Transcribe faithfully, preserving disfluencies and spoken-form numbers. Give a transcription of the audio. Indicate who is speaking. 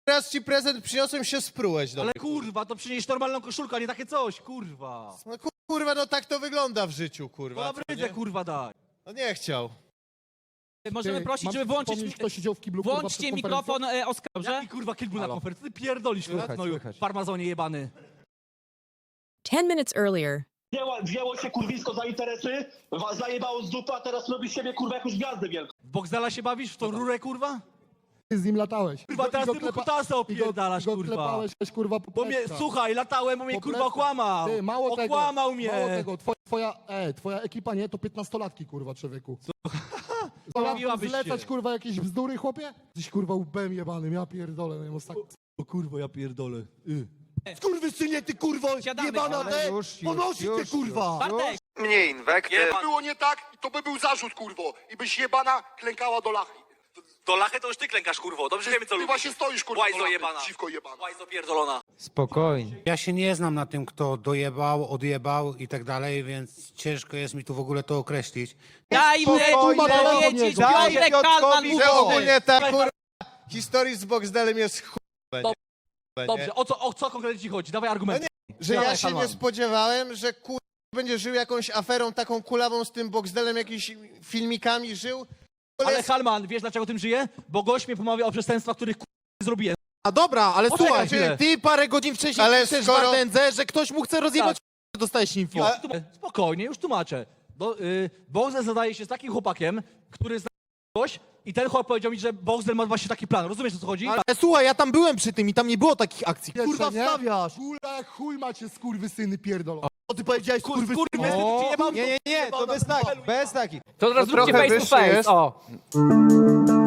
Speaker 1: raz ci prezent przyniosłem, się sprułeś.
Speaker 2: Ale kurwa, to przynieś normalną koszulkę, a nie takie coś, kurwa.
Speaker 1: No kurwa, no tak to wygląda w życiu, kurwa.
Speaker 2: Dobra,
Speaker 1: co,
Speaker 2: idę,
Speaker 1: nie?
Speaker 2: kurwa, daj.
Speaker 1: No nie chciał.
Speaker 3: Możemy
Speaker 4: Ty,
Speaker 3: prosić,
Speaker 4: mam
Speaker 3: żeby włączyć,
Speaker 4: wspomnieć, kto siedział w kiblu, kurwa,
Speaker 3: włączcie
Speaker 4: przed
Speaker 3: mikrofon e, Oskarze.
Speaker 2: Jaki kurwa kilku na
Speaker 4: Halo.
Speaker 2: konferencji? Ty pierdolisz,
Speaker 4: Słychać,
Speaker 2: no
Speaker 4: słychać.
Speaker 2: farmazonie jebany.
Speaker 5: Ten minutes earlier.
Speaker 6: Wzięło, wzięło się kurwisko za interesy, was zajebało z dupy, a teraz robi z siebie kurwa jakąś gwiazdę wielką.
Speaker 2: W Boxdela się bawisz? W tą rurę, kurwa?
Speaker 4: Ty z nim latałeś.
Speaker 2: Kurwa,
Speaker 4: I go-
Speaker 2: teraz
Speaker 4: i go
Speaker 2: ty mu
Speaker 4: klepa-
Speaker 2: kutasa
Speaker 4: i go-
Speaker 2: opierdalasz,
Speaker 4: i go
Speaker 2: kurwa.
Speaker 4: klepałeś, weź, kurwa, po
Speaker 2: Bo mnie,
Speaker 4: plecach.
Speaker 2: słuchaj, latałem, bo mnie
Speaker 4: Po
Speaker 2: kurwa
Speaker 4: plecach.
Speaker 2: okłamał.
Speaker 4: Ty, mało tego,
Speaker 2: Okłamał mnie.
Speaker 4: Mało tego, twoja, twoja, e, twoja ekipa nie, to piętnastolatki, kurwa, człowieku.
Speaker 2: Mówiłabyś
Speaker 4: Zlecać,
Speaker 2: się.
Speaker 4: kurwa, jakieś bzdury, chłopie? Jesteś, kurwa, łbem jebanym, ja pierdolę, no i tak...
Speaker 2: O kurwa, ja pierdolę. Y.
Speaker 4: Skurwysynie, ty, kurwo,
Speaker 3: Siadamy.
Speaker 4: jebana,
Speaker 3: Ale
Speaker 4: te,
Speaker 7: już, już,
Speaker 4: ponosi
Speaker 7: już,
Speaker 4: cię, kurwa!
Speaker 3: Bartek,
Speaker 8: Mniej inwektyw.
Speaker 9: Gdyby było nie tak, to by był zarzut, kurwo. I byś jebana klękała do lachy.
Speaker 10: Do lachy to już ty klękasz, kurwo. Dobrze wiemy, co
Speaker 9: Ty
Speaker 10: lubisz.
Speaker 9: właśnie stoisz, kurwa,
Speaker 10: Łajzo
Speaker 9: do lachy,
Speaker 10: jebana.
Speaker 9: dziwko jebana.
Speaker 10: Łajzo pierdolona.
Speaker 7: Spokojnie.
Speaker 11: Ja się nie znam na tym, kto dojebał, odjebał i tak dalej, więc ciężko jest mi tu w ogóle to określić.
Speaker 3: dajmy
Speaker 4: Spokojnie,
Speaker 3: powiedzieć,
Speaker 4: daj
Speaker 3: Piotrek
Speaker 7: Piotrkowi
Speaker 3: Kalman
Speaker 7: że
Speaker 3: mówi.
Speaker 1: Że ogólnie ta kurwa historii z Boxdelem jest chuj.
Speaker 2: Dob-
Speaker 1: nie?
Speaker 2: Dobrze, o co, o co konkretnie ci chodzi? Dawaj argumenty.
Speaker 1: Że
Speaker 2: Dawaj,
Speaker 1: ja się nie
Speaker 2: Kalman.
Speaker 1: spodziewałem, że kur... będzie żył jakąś aferą taką kulawą z tym Boxdelem, jakimiś filmikami żył.
Speaker 2: Ale Halman, wiesz dlaczego tym żyje? Bo gość mnie pomawia o przestępstwa, których kurwa nie zrobiłem.
Speaker 7: A dobra, ale
Speaker 2: Poczekaj
Speaker 7: słuchaj,
Speaker 2: chwilę.
Speaker 7: ty parę godzin wcześniej
Speaker 1: Ale
Speaker 7: piszesz
Speaker 1: skoro-
Speaker 7: w Ardence, że ktoś mu chce rozjebać,
Speaker 2: Tak.
Speaker 7: dostajesz info.
Speaker 2: Już tłum- Spokojnie, już tłumaczę. Do, y, Boxdel zadaje się z takim chłopakiem, który zna gość i ten chłopak powiedział mi, że Boxdel ma właśnie taki plan. Rozumiesz, o co chodzi?
Speaker 7: Ale słuchaj, ja tam byłem przy tym i tam nie było takich akcji.
Speaker 4: Kurwa,
Speaker 7: Kurwa,
Speaker 4: nie?
Speaker 7: wstawiasz.
Speaker 4: Kurwa, jak chuj macie, skurwysyny, pierdolą. Co ty powiedziałeś,
Speaker 2: Kur-
Speaker 4: skurwysyny?
Speaker 2: skurwysyn,
Speaker 7: O,
Speaker 2: czy nie mam-
Speaker 7: nie, nie, nie, to bez takich, bez takich.
Speaker 3: To teraz
Speaker 7: To
Speaker 3: zróbcie
Speaker 7: trochę
Speaker 3: face to
Speaker 7: wyższy
Speaker 3: face,
Speaker 7: jest.
Speaker 3: o.